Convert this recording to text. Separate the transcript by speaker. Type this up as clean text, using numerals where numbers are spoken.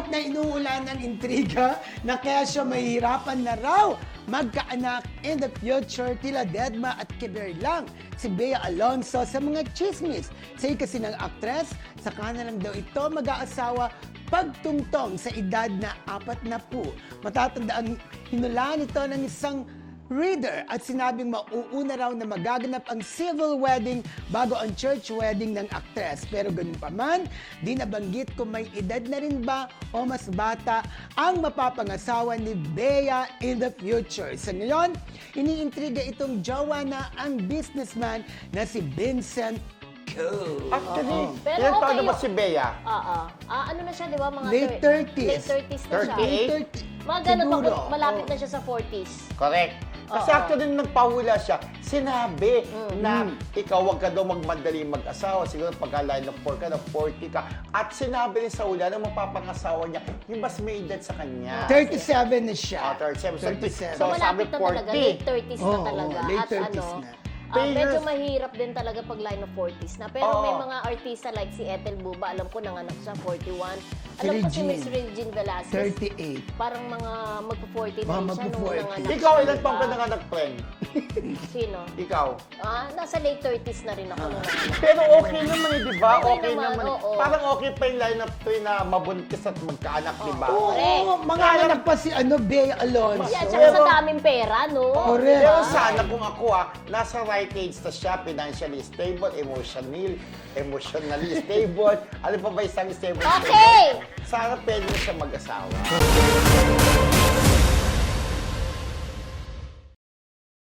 Speaker 1: At na inuulan ng intriga na kaya siya mahihirapan na raw magkaanak in the future tila Dedma at Kiber lang si Bea Alonzo sa mga chismis. Say kasi ng aktres, saka na lang daw ito mag-aasawa pagtungtong sa edad na 40. Matatandaan hinulaan ito ng isang reader at sinabing mauuna raw na magaganap ang civil wedding bago ang church wedding ng aktres. Pero ganun pa man, di nabanggit kung may edad na rin ba o mas bata ang mapapangasawa ni Bea in the future. Sa ngayon, iniintriga itong jowa na ang businessman na si Vincent Ko.
Speaker 2: Actually,
Speaker 3: Pero
Speaker 2: ilan taon
Speaker 3: okay
Speaker 2: na ba
Speaker 3: yun.
Speaker 2: si Bea?
Speaker 3: Ano na siya, di ba? Mga
Speaker 1: Late 30s.
Speaker 3: Late 30s na siya.
Speaker 2: 38?
Speaker 3: Mga ganun,
Speaker 1: Siguro.
Speaker 3: malapit na siya sa 40s.
Speaker 2: Correct. Kasi actually, nung nagpahula siya, sinabi na ikaw wag ka daw magmadali mag-asawa. Siguro pagka-line of 4 ka na 40 ka. At sinabi rin sa hula na mapapangasawa niya, yung mas may edad sa kanya.
Speaker 1: 37 na siya.
Speaker 2: 37.
Speaker 1: 37.
Speaker 3: So,
Speaker 2: So, sabi
Speaker 3: malapit na talaga.
Speaker 2: 40.
Speaker 3: Late 30s na
Speaker 1: Oo,
Speaker 3: talaga.
Speaker 1: late
Speaker 3: At
Speaker 1: 30s na.
Speaker 3: medyo mahirap din talaga pag line of 40s na. Pero may
Speaker 2: Oo.
Speaker 3: mga artista like si Ethel Buba, alam ko nanganak siya 41.
Speaker 1: Si
Speaker 3: Alam ko si
Speaker 1: Regine.
Speaker 3: Miss Regine Velasquez,
Speaker 1: 38.
Speaker 3: parang mga magpo-40 na
Speaker 1: Mga
Speaker 3: rin siya nung
Speaker 1: magpo-40.
Speaker 3: nanganak.
Speaker 2: Ikaw,
Speaker 3: siya,
Speaker 2: ilan
Speaker 3: di
Speaker 2: taon
Speaker 3: ba?
Speaker 2: ka nanganak, friend?
Speaker 3: Sino?
Speaker 2: Ikaw.
Speaker 3: Nasa late 30s na rin ako nung nanganak.
Speaker 2: Pero okay naman eh, di ba?
Speaker 3: Okay
Speaker 2: Okay
Speaker 3: naman,
Speaker 2: naman.
Speaker 3: oo.
Speaker 2: Parang okay pa yung line of 3 na mabuntis at magkaanak, di ba?
Speaker 1: Oo,
Speaker 3: Correct.
Speaker 1: mga anak pa si Bea Alonzo.
Speaker 3: Yan, tsaka sa daming pera, no?
Speaker 1: Correct.
Speaker 2: Pero sana kung ako nasa right age na siya, financially stable, emotionally stable, ano pa ba isang stable?
Speaker 3: Okay!
Speaker 2: Sana pwede na siya mag-asawa.